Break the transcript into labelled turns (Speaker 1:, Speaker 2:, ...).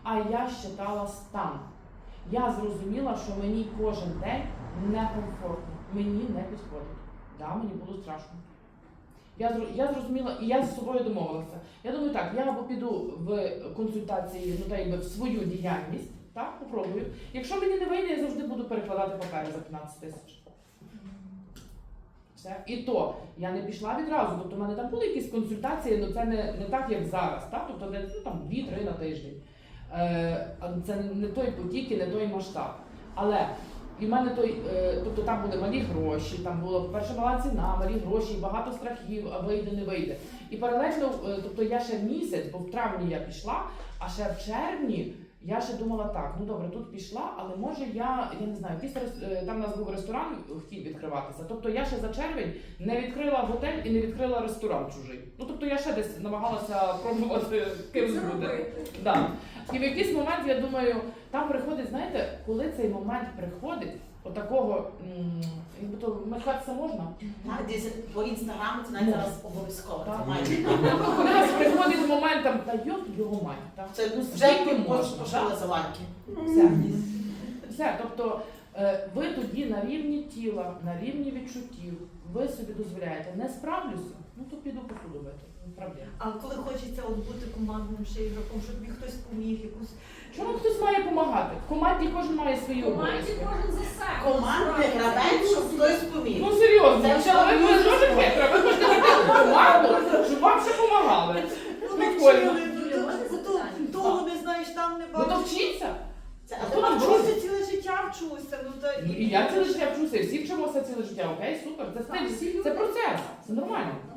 Speaker 1: а я считала стан. Я зрозуміла, що мені кожен день некомфортно, мені не підходить. Да, мені було страшно. Я зрозуміла, і я з собою домовилася. Я думаю, так, я або піду в консультації, ну, та якби в свою діяльність, так, попробую. Якщо мені не вийде, я завжди буду перекладати папери за 15 тисяч. Все. І то, я не пішла відразу, тобто в мене там були якісь консультації, але це не так, як зараз, так? Тобто де, ну, там 2-3 на тиждень. Це не той потік і не той масштаб. Але і в мене тобто там були малі гроші, там була перша мала ціна, малі гроші, багато страхів, а вийде, не вийде. І паралельно, тобто я ще місяць, бо в травні я пішла, а ще в червні я ще думала так, ну добре, тут пішла, але може я не знаю, там у нас був ресторан, хотів відкриватися, тобто я ще за червень не відкрила готель і не відкрила ресторан чужий. Ну тобто я ще десь намагалася пробувати кимось бути. Да. І в якийсь момент, я думаю, там приходить, знаєте, коли цей момент приходить, отакого, якби то махатися можна?
Speaker 2: Так, десь по інстаграму це навіть зараз обов'язково.
Speaker 1: Коли нас приходить момент, там, та його мать.
Speaker 2: Це
Speaker 1: ну,
Speaker 2: вже
Speaker 1: скільки можна,
Speaker 2: пошли заварки.
Speaker 1: Все, тобто ви тоді на рівні тіла, на рівні відчуттів, ви собі дозволяєте, не справлюся, ну то піду посуду мити, не проблема.
Speaker 3: А коли хочеться от бути командним ще ігроком, щоб тобі хтось поміг, якусь...
Speaker 1: Чому хтось має допомагати? В команді кожен має свої обов'язки.
Speaker 4: Кожен за себе.
Speaker 2: Командний гравець, щоб хтось поміг.
Speaker 1: Ну серйозно,
Speaker 2: Це
Speaker 1: ви дуже хитро, ви хочете йти в команду, щоб вам ще допомагали. Прикольно.
Speaker 3: Того не знаєш, там не
Speaker 1: Ну то
Speaker 3: бачиш.
Speaker 1: вчіться.
Speaker 2: А
Speaker 1: Хто там
Speaker 3: Вчуся ціле життя, вчуся. Ну, та...
Speaker 1: І я ціле життя вчуся, всі вчимося ціле життя, окей, супер, це процес, це нормально.